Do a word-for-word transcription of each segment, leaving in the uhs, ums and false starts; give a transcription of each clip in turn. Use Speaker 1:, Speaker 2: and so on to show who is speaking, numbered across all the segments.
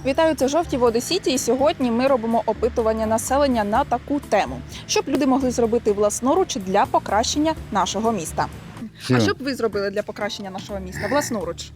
Speaker 1: Вітаю, це «Жовті води Сіті», і сьогодні ми робимо опитування населення на таку тему, щоб люди могли зробити власноруч для покращення нашого міста.
Speaker 2: Все.
Speaker 1: А що б ви зробили для покращення нашого міста власноруч?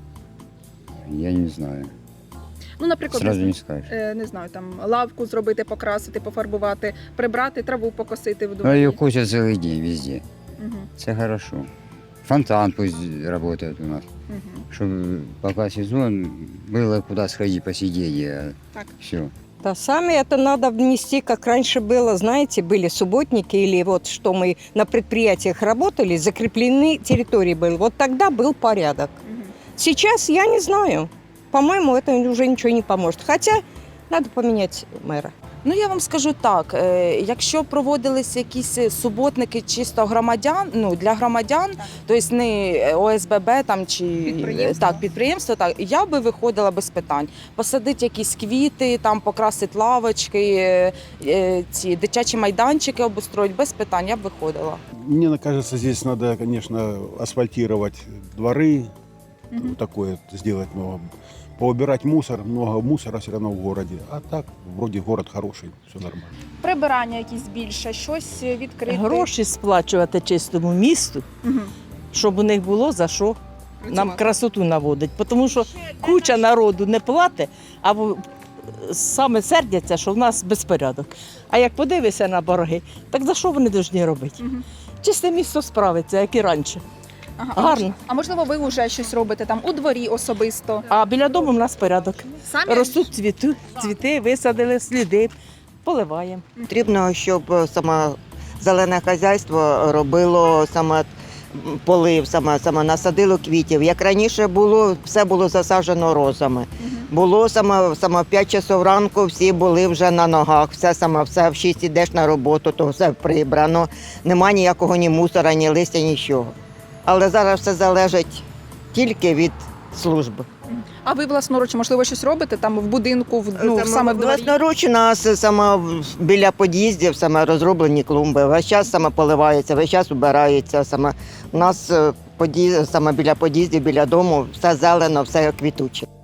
Speaker 2: Я не знаю.
Speaker 1: Ну, наприклад,
Speaker 2: Сразу
Speaker 1: не,
Speaker 2: не скажешь.
Speaker 1: е, не знаю, там лавку зробити, покрасити, пофарбувати, прибрати, траву покосити в
Speaker 2: А
Speaker 1: дворі.
Speaker 2: ее косят целый день везде.
Speaker 1: Угу,
Speaker 2: Это хорошо. Фонтан пусть работает у нас.
Speaker 1: угу.
Speaker 2: Чтобы пока сезон было куда сходить, посидеть. А
Speaker 1: Так.
Speaker 2: все.
Speaker 3: Да, сами это надо внести, как раньше было, знаете, были субботники или вот что мы на предприятиях работали, закреплены территории были. Вот тогда был порядок.
Speaker 1: Угу.
Speaker 3: Сейчас я не знаю. По-моему, это уже ничего не поможет. Хотя надо поменять мэра.
Speaker 4: Ну, я вам скажу так, е, якщо проводилися якісь суботники чисто громадян, ну, для громадян, тобто не О С Б Б там, чи
Speaker 1: Підприємство.
Speaker 4: так, підприємство, так, я би виходила без питань. Посадити якісь квіти, там, покрасити лавочки, е, е, ці дитячі майданчики обустроїти, без питань, я б виходила.
Speaker 5: Мне кажется, здесь надо, конечно, асфальтировать дворы,
Speaker 1: Мгм.
Speaker 5: такое сделать много. Поубирать мусор, много мусора все равно в городе. А так, вроде город хороший, все нормально.
Speaker 1: Прибирання якісь більше, щось відкрити.
Speaker 6: Гроші сплачувати чистому місту,
Speaker 1: Угу.
Speaker 6: щоб у них було за що нам красоту наводить. Тому що куча народу не платить, а в- саме сердяться, що в нас безпорядок. А як подивишся на борги, так за що вони повинні робити?
Speaker 1: Мгм.
Speaker 6: Чисте місто справиться, як і раніше.
Speaker 1: Ага. А
Speaker 6: Гарно.
Speaker 1: мож- А можливо, ви вже щось робите там у дворі особисто?
Speaker 6: А біля дому в нас порядок.
Speaker 1: Самі?
Speaker 6: Ростуть цвіти, цвіти, висадили, сліди, поливаємо.
Speaker 7: Потрібно, щоб саме зелене хазяйство робило саме полив, саме, саме насадило квітів. Як раніше було, все було засаджено розами.
Speaker 1: Мгм.
Speaker 7: Було саме, саме в п'ять часов ранку, всі були вже на ногах, все саме, все в шість ідеш на роботу, то все прибрано. Нема ніякого ні мусора, ні листя, нічого. Але зараз все залежить тільки від служби.
Speaker 1: А ви власноруч, можливо, щось робите там в будинку, в, ну, саме в дворі?
Speaker 7: Власноруч у нас саме в- біля під'їздів саме розроблені клумби. Весь час саме поливається, весь час убирається. Саме у нас е, под'їзд- саме біля під'їздів, біля дому, все зелено, все квітуче.